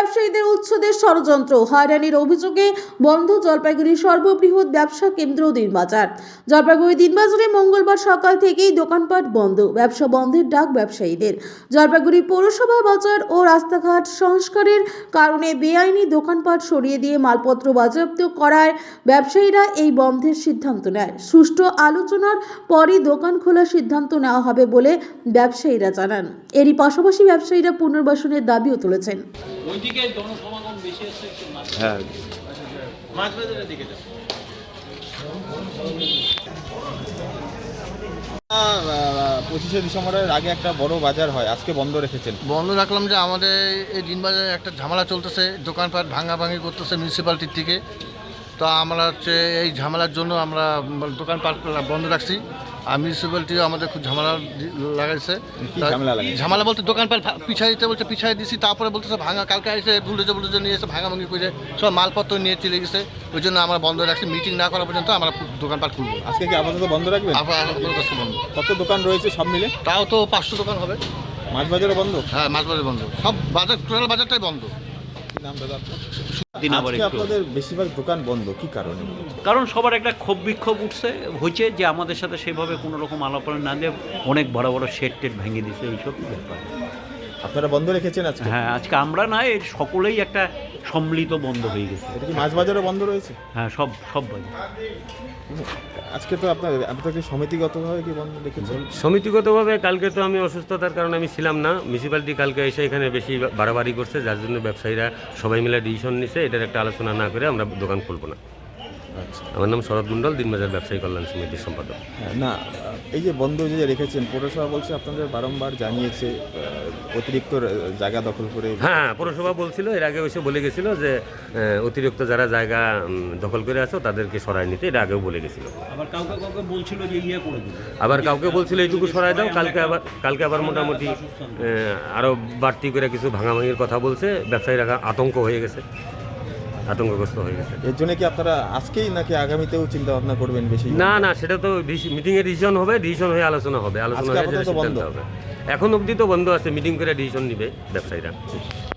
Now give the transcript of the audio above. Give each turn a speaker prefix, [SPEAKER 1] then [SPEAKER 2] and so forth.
[SPEAKER 1] ব্যবসায়ীদের উচ্ছেদের ষড়যন্ত্র, হয়রানির অভিযোগে বন্ধ জলপাইগুড়ির সর্ববৃহৎ ব্যবসা কেন্দ্র দিনবাজার। জলপাইগুড়ি দিনবাজারে মঙ্গলবার সকাল থেকেই দোকানপাট বন্ধ, ব্যবসা বন্ধের ডাক ব্যবসায়ীদের। জলপাইগুড়ি পৌরসভা বাজার ও রাস্তাঘাট সংস্কারের কারণে বেআইনি দোকানপাট সরিয়ে দিয়ে মালপত্র বাজেয়াপ্ত করায় ব্যবসায়ীরা এই বন্ধের সিদ্ধান্ত নেয়। সুষ্ঠু আলোচনার পরই দোকান খোলার সিদ্ধান্ত নেওয়া হবে বলে ব্যবসায়ীরা জানান। এরই পাশাপাশি ব্যবসায়ীরা পুনর্বাসনের দাবিও তুলেছেন।
[SPEAKER 2] ওইদিকে জনসমাগম বেশি আছে একটু
[SPEAKER 3] হ্যাঁ,
[SPEAKER 2] মাছ বাজারের দিকে যাও।
[SPEAKER 3] 25শে ডিসেম্বরের আগে একটা বড় বাজার হয়, আজকে বন্ধ রেখেছেন।
[SPEAKER 4] বন্ধ রাখলাম যে আমাদের এই দিনবাজারে একটা ঝামেলা চলতেছে, দোকানপাট ভাঙাভাঙি করতেছে মিউনিসিপ্যালিটির থেকে। তো আমরা হচ্ছে এই ঝামেলার জন্য আমরা দোকানপাট বন্ধ রাখছি। আর মিউনিসিপ্যালিটিও আমাদের খুব ঝামেলা লাগাইছে।
[SPEAKER 3] কি ঝামেলা লাগাইছে?
[SPEAKER 4] ঝামেলা বলতে দোকানপাট পিছাই দিতে বলছে, পিছাই দিছি। তারপরে বলতেছে ভাঙা, কালকে এসে বুলডোজার নিয়ে এসে ভাঙাভাঙি করে সব মালপত্র নিয়ে চলে গেছে। ওই জন্য আমরা বন্ধ রাখছি, মিটিং না করা পর্যন্ত আমরা দোকানপাট খুলবো।
[SPEAKER 3] আজকে কি আপাতত বন্ধ রাখবেন?
[SPEAKER 4] বন্ধ।
[SPEAKER 3] কত দোকান রয়েছে সব মিলে?
[SPEAKER 4] তাও তো 500 দোকান হবে।
[SPEAKER 3] মাছ বাজারও বন্ধ?
[SPEAKER 4] হ্যাঁ, মাছ বাজার বন্ধ, সব বাজার, টোটাল বাজারটাই বন্ধ।
[SPEAKER 3] কি নাম দাদা আপনার?
[SPEAKER 2] আবার
[SPEAKER 3] আজকে
[SPEAKER 2] একটু
[SPEAKER 3] আপনাদের বেশিরভাগ দোকান বন্ধ, কি কারণে?
[SPEAKER 2] কারণ সবার একটা ক্ষোভ বিক্ষোভ উঠছে হয়েছে যে আমাদের সাথে সেভাবে কোনো রকম আলাপনা না দিয়ে অনেক বড় বড় শেড টেড ভেঙে দিছে, এইসব ব্যাপার।
[SPEAKER 3] আপনারা বন্ধ রেখেছেন আজকে?
[SPEAKER 2] হ্যাঁ, আজকে আমরা না, এর সকলেই একটা সম্মিলিত বন্ধ হয়ে গেছে।
[SPEAKER 3] এটা কি মাছ বাজারও বন্ধ রয়েছে?
[SPEAKER 2] হ্যাঁ, সব বাজার।
[SPEAKER 3] আজকে তো আপনাদের সমিতিগতভাবে কি বন্ধ রেখেছেন?
[SPEAKER 5] সমিতিগতভাবে কালকে তো আমি অসুস্থতার কারণে আমি ছিলাম না। মিউনিসিপ্যালিটি কালকে এসে এখানে বেশি বাড়াবাড়ি করছে, যার জন্য ব্যবসায়ীরা সবাই মিলে ডিসিশন নিছে এটার একটা আলোচনা না করে আমরা দোকান খুলবো না।
[SPEAKER 3] আচ্ছা,
[SPEAKER 5] আমার নাম শরৎ মণ্ডল, দিনবাজার ব্যবসায়ী কল্যাণ সমিতির সম্পাদক।
[SPEAKER 3] না, এই যে বন্ধ যে রেখেছেন, পৌরসভা বলছে আপনাদের বারংবার জানিয়েছে অতিরিক্ত জায়গা দখল করে।
[SPEAKER 5] হ্যাঁ, পৌরসভা বলছিল, এর আগে এসে বলে গেছিল যে অতিরিক্ত যারা জায়গা দখল করে আছো তাদেরকে সরায় নিতে, এটা আগেও বলে গেছিল।
[SPEAKER 2] আবার কাউকে বলছিল যে ইয়ে করে দিন,
[SPEAKER 5] আবার কাউকে বলছিল এইটুকু সরায় দাও। কালকে আবার মোটামুটি আরও বাড়তি করে কিছু ভাঙাভাঙির কথা বলছে। ব্যবসায়ীরা আতঙ্ক হয়ে গেছে, আতঙ্কগ্রস্ত হয়ে গেছে।
[SPEAKER 3] এর জন্য কি আপনারা আজকেই নাকি আগামীতেও চিন্তা ভাবনা করবেন বেশি?
[SPEAKER 5] না, সেটা তো মিটিংয়ে ডিসিশন হবে, ডিসিশন হয়ে আলোচনা হবে, আলোচনা হয়ে যেটা সিদ্ধান্ত হবে। এখন অবধি তো বন্ধ আছে, মিটিং করে ডিসিশন নিবে ব্যবসায়ীরা।